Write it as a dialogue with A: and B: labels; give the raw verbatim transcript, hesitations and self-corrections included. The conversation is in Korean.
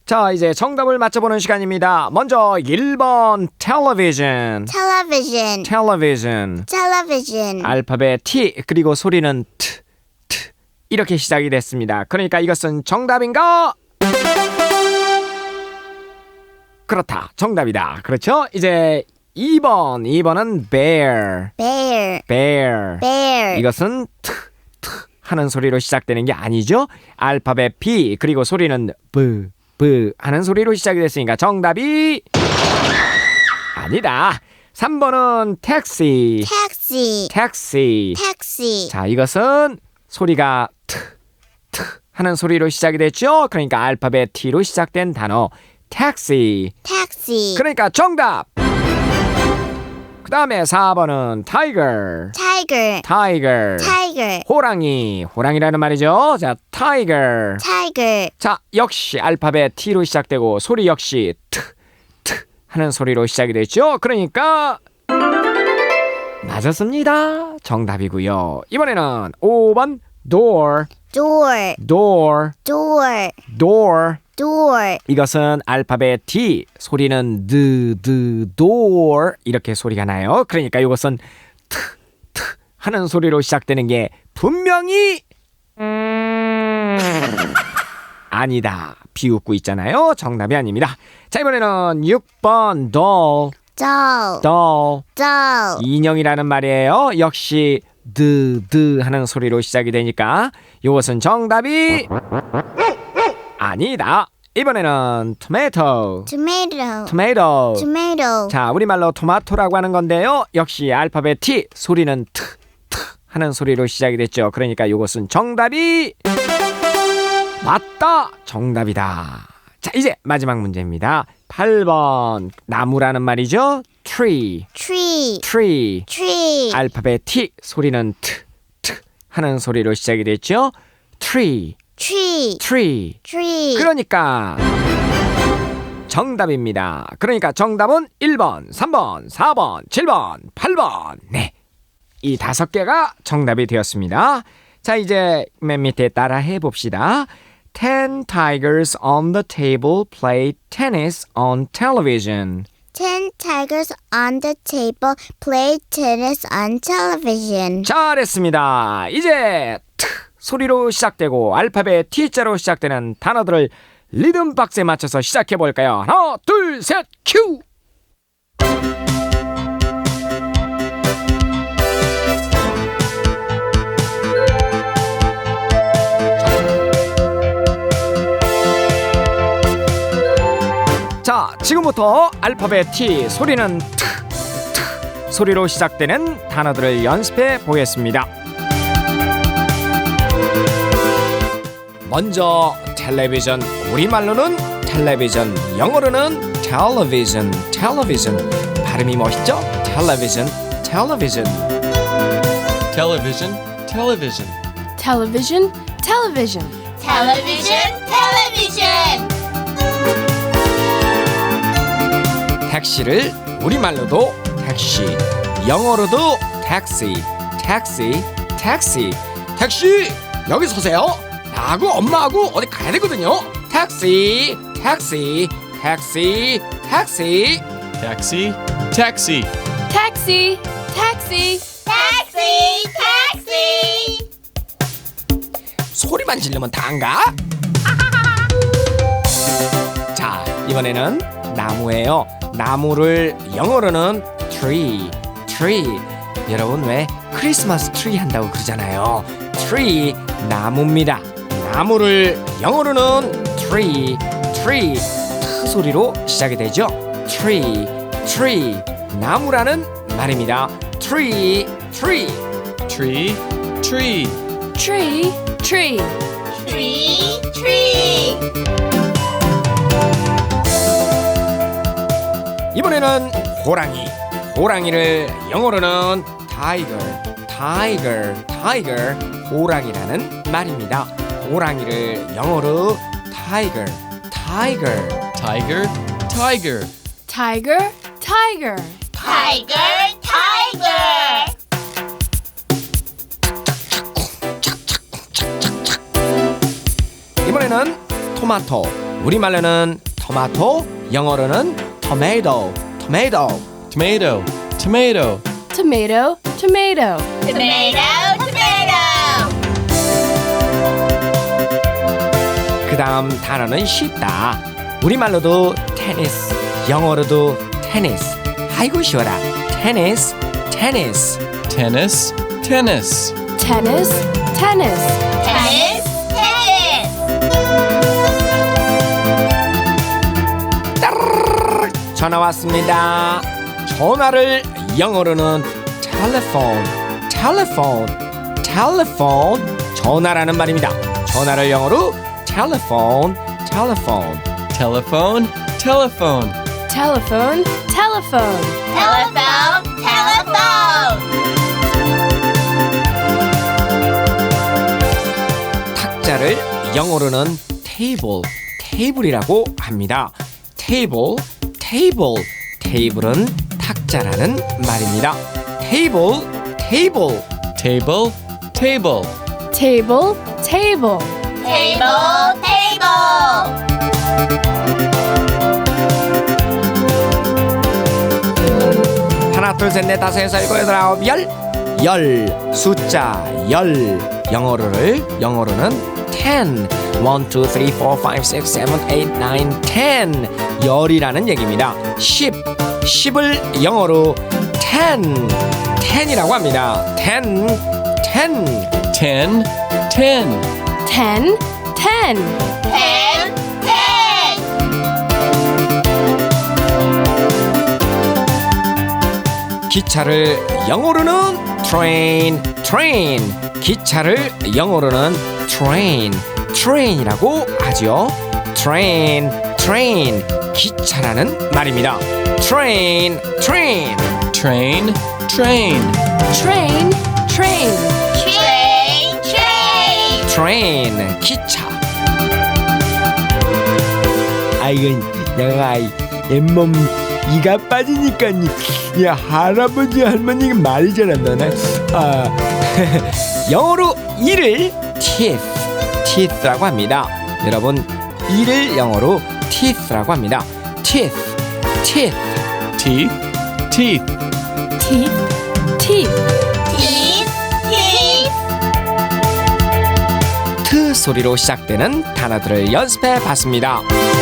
A: 자, 이제 정답을 맞춰보는 시간입니다. 먼저 일 번 television.
B: television,
A: television.
B: television,
A: 알파벳 T 그리고 소리는 T, T 이렇게 시작이 됐습니다. 그러니까 이것은 정답인가? 그렇다. 정답이다. 그렇죠? 이제 이 번. 이 번은 bear.
B: bear,
A: bear.
B: bear,
A: 이것은 T, T 하는 소리로 시작되는 게 아니죠? 알파벳 B 그리고 소리는 B, B 하는 소리로 시작이 됐으니까 정답이 아니다. 삼 번은 taxi.
B: taxi,
A: taxi.
B: taxi,
A: 자, 이것은 소리가 T, T 하는 소리로 시작이 됐죠? 그러니까 알파벳 T로 시작된 단어 taxi.
B: taxi,
A: 그러니까 정답. 그 다음에 사 번은 tiger.
B: tiger,
A: tiger.
B: tiger,
A: 호랑이. 호랑이라는 말이죠. 자, tiger.
B: tiger,
A: 자, 역시 알파벳 T로 시작되고 소리 역시 T, T 하는 소리로 시작이 됐죠. 그러니까 맞았습니다. 정답이고요. 이번에는 오 번 door.
B: door,
A: door.
B: door,
A: door.
B: door,
A: 이것은 알파벳 D 소리는 D, D, door 이렇게 소리가 나요. 그러니까 이것은 T, T 하는 소리로 시작되는 게 분명히 아니다. 비웃고 있잖아요. 정답이 아닙니다. 자, 이번에는 육 번 doll.
B: doll,
A: doll.
B: doll,
A: 인형이라는 말이에요. 역시 D, D 하는 소리로 시작이 되니까 이것은 정답이 아니다. 이번에는 tomato.
B: tomato,
A: tomato.
B: tomato,
A: 자, 우리말로 토마토라고 하는 건데요. 역시 알파벳 T 소리는 T, T 하는 소리로 시작이 됐죠. 그러니까 이것은 정답이 맞다. 정답이다. 자, 이제 마지막 문제입니다. 팔 번 나무라는 말이죠. tree.
B: tree,
A: tree.
B: tree,
A: 알파벳 T 소리는 T, T 하는 소리로 시작이 됐죠. tree.
B: tree,
A: tree.
B: tree,
A: 그러니까 정답입니다. 그러니까 정답은 일 번, 삼 번, 사 번, 칠 번, 팔 번. 네. 이 다섯 개가 정답이 되었습니다. 자, 이제 맨 밑에 따라 해 봅시다. Ten tigers on the table play tennis on television.
B: ten tigers on the table play tennis on television.
A: 잘했습니다. 이제 T 소리로 시작되고 알파벳 T자로 시작되는 단어들을 리듬 박스에 맞춰서 시작해 볼까요? 하나, 둘, 셋, 큐! 자, 지금부터 알파벳 T 소리는 T, T 소리로 시작되는 단어들을 연습해 보겠습니다. 먼저 텔레비전, 우리말로는 텔레비전, 영어로는 television, television. 발음이 멋있죠? 텔레비전, 텔레비전.
C: Television, television.
D: Television, television.
B: television, television.
A: 택시를 우리말로도 택시, 영어로도 택시, 택시, 택시. 택시 여기 서세요. 나하고 엄마하고 어디 가야 되거든요. 택시, 택시, 택시, 택시.
C: Taxi, taxi.
D: Taxi, taxi.
B: taxi, taxi.
A: 소리만 지르면 다인가? 자, 이번에는 나무예요. 나무를 영어로는 tree, tree. 여러분 왜 크리스마스 트리 한다고 그러잖아요. tree, 나무입니다. 나무를 영어로는 tree, tree. 트 소리로 시작이 되죠. tree, tree. 나무라는 말입니다. tree, tree.
C: Tree, tree.
D: Tree, tree.
B: tree, tree.
A: 이번에는 호랑이. 호랑이를 영어로는 tiger, tiger, tiger. 호랑이라는 말입니다. 호랑이를 영어로 tiger, tiger.
C: Tiger, tiger.
D: Tiger, tiger.
B: tiger, tiger.
A: 이번에는 토마토. 우리말로는 토마토, 영어로는 tomato, tomato.
C: Tomato, tomato.
D: Tomato, tomato.
B: Tomato, tomato.
A: 그 다음 단어는 쉽다. 우리말로도 테니스, 영어로도 테니스. 아이고 쉬워라. 테니스, 테니스.
C: Tennis, tennis.
D: Tennis, tennis.
B: Tennis, tennis.
A: 전화 왔습니다. 전화를 영어로는 telephone, telephone, telephone. 전화라는 말입니다. 전화를 영어로 telephone, telephone.
C: Telephone, telephone.
D: Telephone, telephone.
B: Telephone, telephone.
A: 탁자를 영어로는 table, table이라고 합니다. table, table. 테이블은 탁자라는 말입니다. table, table.
C: Table, table.
D: Table, table.
B: Table, table.
A: 하나 둘 셋 넷 다섯 여섯 일곱 여덟 아홉 열. 열 숫자 열 영어로를 영어로는 ten. one, two, three, four, five, six, seven, eight, nine, ten. 열이라는 얘기입니다. 십. 십을 영어로 ten. ten이라고 합니다. ten. ten.
C: Ten, ten.
D: Ten, ten.
B: Ten, ten.
A: 기차를 영어로는 train, train. 기차를 영어로는 train, train이라고 하죠. train, train. 기차라는 말입니다. train, train.
C: Train, train.
D: Train, train.
B: Train, train.
A: train. 기차. 아이고 내가 잇몸 이가 빠지니까 야 할아버지 할머니가 말이 잘 안 나네. 아 영어로 이를 teeth, teeth라고 합니다. 여러분 이를 영어로 teeth라고 합니다. teeth, teeth.
C: Teeth, teeth.
D: Teeth, teeth.
B: Teeth, teeth.
A: 트 소리로 시작되는 단어들을 연습해 봤습니다.